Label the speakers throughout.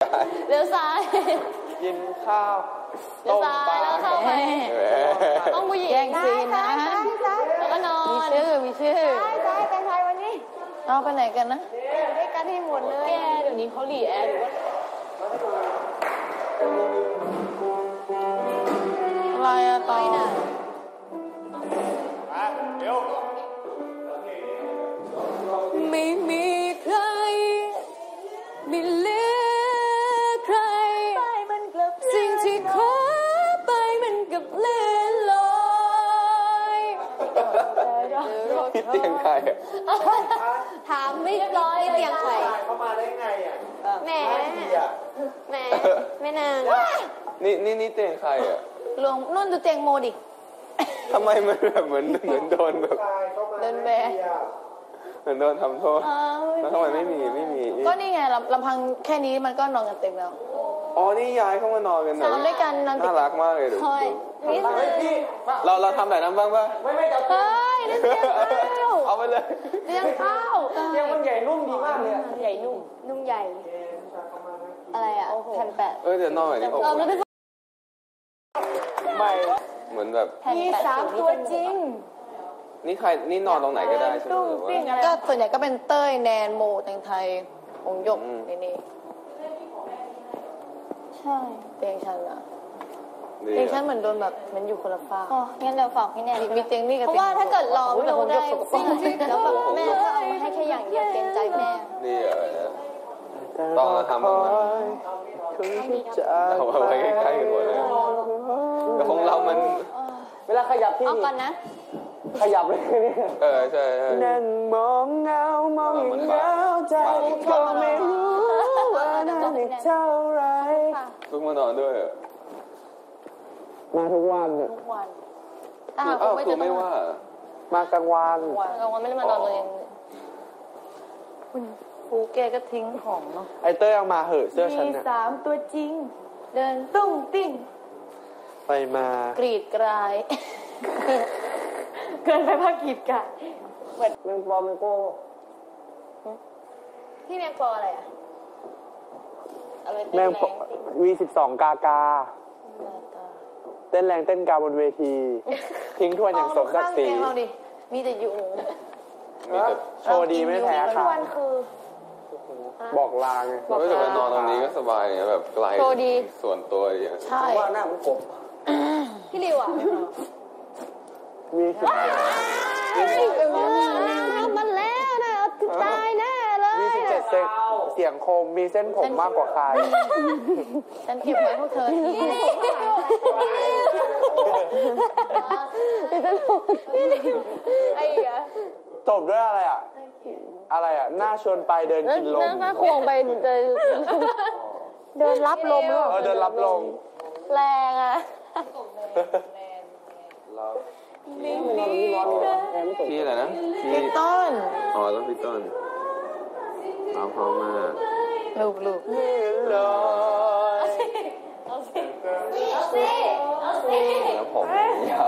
Speaker 1: เลี้ยวซ้าย
Speaker 2: กินข้าว
Speaker 1: ต้มปลาแล้วเข้าไปต้องผู้หญิง
Speaker 3: แย่งซีนนะ
Speaker 1: แล้วก็นอน
Speaker 3: มีชื่อ
Speaker 4: ใช่เป็นใครวันนี้
Speaker 3: เอาไปไหนกันนะ
Speaker 4: ด้วยกันให้หมดเลย
Speaker 1: แกเดี๋ยวนี้เขาหลีแอร์หรือว่า
Speaker 3: อะไรอะต่อ
Speaker 1: ไม่มีใครไม่เหลือใครสิ่งที่ขอไปมันกับเลื่อนลอย
Speaker 2: พี่เตียงใครอ่ะ
Speaker 1: ถามไม่ร้อยเตียงใคร
Speaker 2: เขามาได้ไงอ่ะ
Speaker 1: แหมแม่นาง
Speaker 2: นี่เตียงใครอ่ะ
Speaker 3: ลงนุ่นดูเตียงโมดิ
Speaker 2: ทำไมมันแบบเหมือนโดนแบบ
Speaker 3: เดินแบ
Speaker 2: เหมือนโดนทำโทษแล้วทำไมไม่มี
Speaker 3: ก็นี่ไงลำพังแค่นี้มันก็นอนกันเต็มแล้ว
Speaker 2: อ๋อนี่ย้ายเข้ามานอนกัน
Speaker 3: นอนด้วยกันนอน
Speaker 2: น่ารักมากเลยดูเราทำแบบนั้นบ้างป่ะ
Speaker 3: ไม่จับเฮ้ยเตียงข้าว
Speaker 2: เอาไปเลย
Speaker 3: เตียงข้าว
Speaker 2: เตียงมันใหญ่นุ่มดีมากเลย
Speaker 1: ใหญ่นุ่มใหญ่อะไรอ่ะแผ่นแปะ
Speaker 2: เดี๋ยวนอนแบบนี้ไม่เหมือนแบบ
Speaker 1: มี3ตัวจริง
Speaker 2: นี่ใครนี่นอนตรงไหนก็ได้ใช่ไหม
Speaker 3: ก็ส่วนใหญ่ก็เป็นเต้ยแนนโมแตงไทยองยกนี่ใช่เตียงฉันอะเตียงฉันเหมือนโดนแบบมันอยู่คนละฝ้า
Speaker 1: งั้นเดี๋ยวฝากพี่แนน
Speaker 3: มีเตียงนี่กับ
Speaker 1: เพราะว่าถ้าเกิดรอไม่รู้ได้แล้วแบบแม่ก็เอามาให้แค่อย่างเดียวเกรงใจแม่
Speaker 2: นี่อะไรต้องทำบ้างไหมเอาไว้ใกล้ๆกันหมดเลยแต่ของเรามัน
Speaker 5: เวลาขยับที่
Speaker 1: เอาก่อนนะ
Speaker 5: ขยับเลย
Speaker 2: ใช่
Speaker 5: นั่งมองเงามองอย่างเงาใจก็ไม่รู้ว่านานอีกเท่าไร
Speaker 2: ลุกมานอนด้วย
Speaker 5: มาทุกวัน
Speaker 2: คือไม่ว่าม
Speaker 5: ากลางวัน
Speaker 1: ไม่ได้มานอนเลย
Speaker 3: คุณฟูแกก็ทิ้งของเนาะ
Speaker 5: ไอเต้ยเอามาเหอะเสื้อฉัน
Speaker 3: มี3ตัวจริงเดินตุ้งติ้ง
Speaker 5: ไปมาก
Speaker 3: รีดกรายเกินไปภาคกีดกัน
Speaker 5: แมงปอแมงโก้
Speaker 1: ที่แมงปออะไรอ่ะ
Speaker 5: แมงV12กากาเต้นแรงเต้นกาบนเวทีทิ้งทวนอย่างสมศักดิ์ศรี
Speaker 3: มีแต่ยุง
Speaker 5: โชว์ดีไม่แพ้ค่ะบอกลาไง
Speaker 2: รู้สึกว่านอนตรงนี้ก็สบายเนี่ยแบบไกลส่วนตัวอย่าง
Speaker 3: ใช่
Speaker 5: ว่าหน้ามันกบ
Speaker 1: พี่ริวอ่ะ
Speaker 5: มีสิบ
Speaker 1: มันแล้วนะตายแน่เลย
Speaker 5: มี17เสียงคมมีเส้นผมมากกว่าใคร
Speaker 3: ฉันเก็บไว้พวกเธอ
Speaker 1: ไอ้เหรอ
Speaker 5: จบด้วยอะไรอ่ะหน้าชวนไปเดินกินลม
Speaker 3: หน้าควงไปเดินรับลม
Speaker 5: เดินรับลม
Speaker 3: แรงอ่ะ
Speaker 2: พี่อะไรนะ
Speaker 3: พี่ต้น
Speaker 2: อ๋อต้องพี่ต้นเอาพร้อมมา
Speaker 3: ลูก
Speaker 1: เอาสิ
Speaker 2: แล้วผมยาว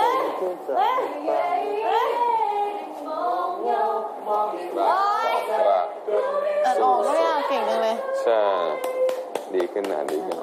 Speaker 3: ออกด้วยอ่ะเก่งจังเลย
Speaker 2: ใช่ดีขึ้นนะดีขึ้น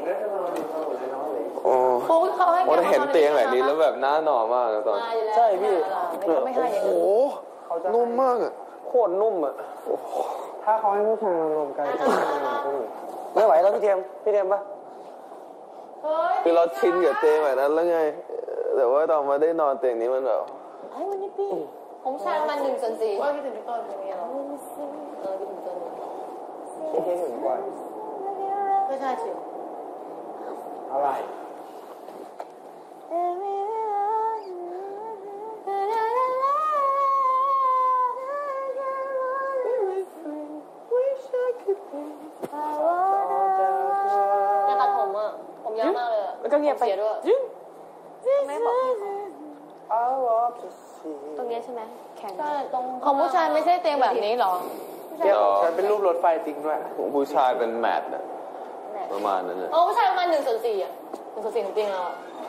Speaker 2: โอ้โหเห็นเตียงแบบนี้แล้วแบบน่านอนมากตอน
Speaker 5: ใช่พี่
Speaker 3: โอ้โห
Speaker 2: นุ่มมากอ่ะ
Speaker 5: โคตรนุ่มอ่ะถ้าเขาให้ผู้ชายลงกันไม่ไหวแล้วพี่เทียมปะ
Speaker 2: คือเราชินกับเตียงแบบนั้นแล้วไงแต่ว่าตอนมาได้นอนเตียงนี้มันแบบ
Speaker 1: ไอ้วันนี้พี่ผมชายมา1/4
Speaker 3: ว่าคิดถึงพี่ต้นเป็นไงหรอ
Speaker 1: คิดถึงต้น
Speaker 5: คิดถึงกว่า
Speaker 3: ก็ใช่สิ
Speaker 5: อะไร
Speaker 1: อยากตัดผมอ่ะผมยาวมากเลย
Speaker 3: แล้วก็เงียบไป
Speaker 1: ด้วย
Speaker 3: ไม่บอกพี่
Speaker 1: ตรงนี้ใช่ไหมแข็งตรง
Speaker 3: ของผู้ชายไม่ใช่เตียงแบบนี้หรอ
Speaker 5: เตียงของฉันเป็นรูปรถไฟจริงด้วย
Speaker 2: ของผู้ชายเป็นแมทนะประมาณนั้นเลย
Speaker 1: ผู้ชายประมาณ1/4อ่ะ1/4ของเตียงเรา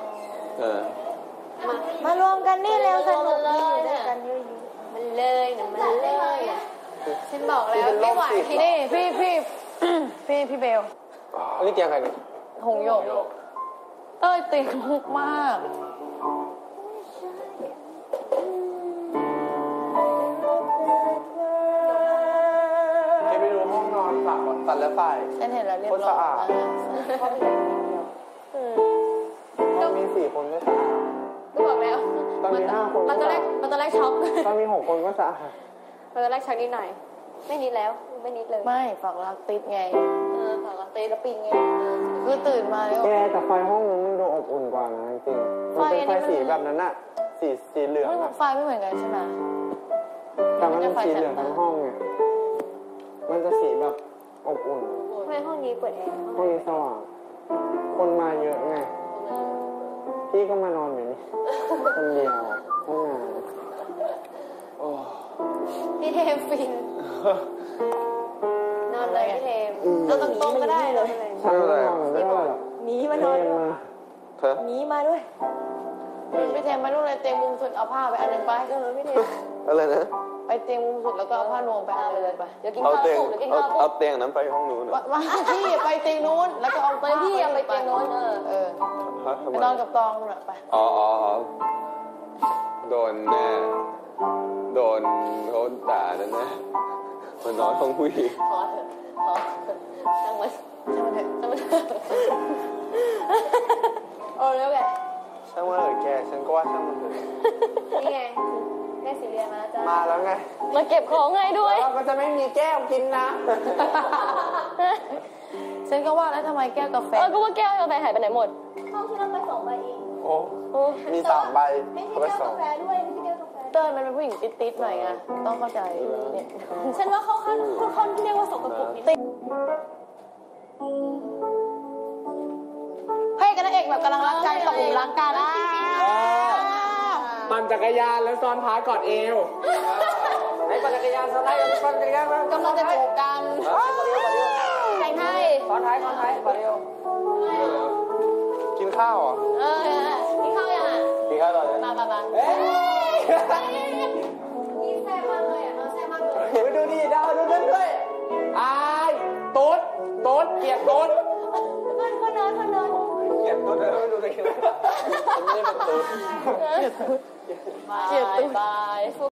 Speaker 3: มารวมกันนี่แล้วสนุกดีอยู่ด้วยกัน
Speaker 1: มันเลยนะมันเลยฉันบอกแล้วไม่ไหว
Speaker 3: นี่พี่พี่เบล
Speaker 5: อันนี้เตียงใครเนี่ย
Speaker 3: หงโยกเต้ยติดมุกมาก
Speaker 5: ไปดูห้องนอนสัตว์และฝ่าย
Speaker 3: ฉันเห็นแล้วเรียบ
Speaker 5: โคตร
Speaker 3: ร้
Speaker 5: สะ
Speaker 3: อย
Speaker 5: อาด
Speaker 3: มาก
Speaker 5: มี4 คนก็สะอาด
Speaker 1: ก็บอกแล้ว
Speaker 5: ตอนมี5 คน
Speaker 1: มันตอนแรกช็อก
Speaker 5: ตอนมี6 คนก็สะอาด
Speaker 1: มันตอนแรกช็อกนิดหน่อย ไม่นิดแล้วไม่นิดเลย
Speaker 3: ไม่ฝากรักติดไง
Speaker 1: ฝากตีแล้วปิงไง
Speaker 3: คือตื่นมาแล้ว
Speaker 5: แกแต่ไฟห้องนู้นมันดูอบอุ่นกว่านะจริงๆมันเป็นไฟสีแบบนั้นอะสีเหลือง
Speaker 3: ไม่
Speaker 5: อะ
Speaker 3: ไฟไม่เหมือนกันใช่ไหม
Speaker 5: แต่มันเป็นสีเหลืองทั้งห้องไงมันจะสีแบบอบอุ่น
Speaker 1: ทำไมห้องนี้เปิดแอร์
Speaker 5: ห้องนี้สว่าง คนมาเยอะไง พี่ก็มานอนอยู่นี่ คนเดียวห้องน้ำโอ้
Speaker 1: พี่เทมฟินนอนเลยพี่เทมนอนตรงๆก็ได้เลย
Speaker 5: ฉันไม่นอนไม่เท่าไหร่หรอก
Speaker 1: หนีมานอน
Speaker 5: เทมา
Speaker 2: เธอ
Speaker 1: หนีมาด้วย
Speaker 3: พี่เทมมาลูกเลยเตียงมุมสุดเอาผ้าไปอันหนึงไป
Speaker 1: พี่เทม
Speaker 2: อะไรนะ
Speaker 3: ไปเตียงมุมสุดแล้วก็เอาผ้านวมไปอันหนึงเลยไป
Speaker 1: เดี๋ยวกิน
Speaker 2: เอา
Speaker 1: ข้าว
Speaker 2: เตียง
Speaker 1: ปุ๊บเดี๋ยวกิน
Speaker 2: เอา
Speaker 1: ข้าวปุ๊
Speaker 2: เอา
Speaker 1: บ
Speaker 2: เตียงนั้นไปห้องนู้นเหรอ
Speaker 3: มาพี่ไปเตียงนู้นแล้วก็เอา
Speaker 1: ไปพี่เอาไปเตียงโน้น
Speaker 3: เออ
Speaker 2: ฮะทำ
Speaker 3: ไป
Speaker 2: ไม
Speaker 3: นอนกับตองน่ะไป
Speaker 2: อ๋อโดนแน่โดนเขาด่าแน่มันนอนห้องผู้หญิง
Speaker 1: พอเถอะพอช่างมัน
Speaker 3: ช่างมันเถอะ
Speaker 1: ช่างมันโอ้แล้วไง
Speaker 5: ช่างว่าเออแกฉันก็ว่าช่างมันเถอะ
Speaker 1: นี่ไงแม่สีเรียนมาจ้า
Speaker 5: มาแล้วไง
Speaker 1: มาเก็บของให้ด้วย
Speaker 5: เราก็จะไม่มีแก้วกินนะ
Speaker 3: ฉันก็ว่าแล้วทำไมแก้วกาแฟ
Speaker 1: ก็ว่าแก้วกาแฟหายไปไหนหมดห้องที่เราไป2 ใบเอง
Speaker 5: โอ้มี3 ใบ
Speaker 1: ไม่ใช่
Speaker 5: เอาไป
Speaker 1: แก้ว
Speaker 5: สอก
Speaker 1: าง แฟด้วยไม่ใช่แก้วกาแฟ
Speaker 3: เต้ยมันเป็นผู้หญิงติดๆหน่อยไงต้องเข้าใจเนี่ย
Speaker 1: ฉันว่าเขาค่อนที่เรียกว่าสกปรกนิดนึง
Speaker 3: พระเอกกับนางเอกแบบกำลังรักกันตกหลุมรักกันอ่ะ
Speaker 5: ปั่นจักรยานแล้วซ้อนท้ายกอดเอวไหนปั่นจักรยานซ้อนท้ายปั่นจักรยานมาก
Speaker 3: ำลังจะจูบกัน
Speaker 1: แทงไทย
Speaker 5: ซ้อนท้ายกอดเอวกินข้าวเหรอ
Speaker 1: กินข้าวยังอ่ะ
Speaker 5: กินข้าวตอนนี้
Speaker 1: มา
Speaker 5: เฮ้ย
Speaker 1: นี่แซ่บมากเลยอ่ะนอนแซ่บมากเลย
Speaker 5: ไปดูดิดาวดูนั่นด้วยอายตุ๊ดเกลียดตุ๊ด
Speaker 1: คนนอน
Speaker 5: เกลียดตุ๊ดเลยไม่ดูเลยฉันไม่ได้เป็นตุ๊ด
Speaker 1: บาย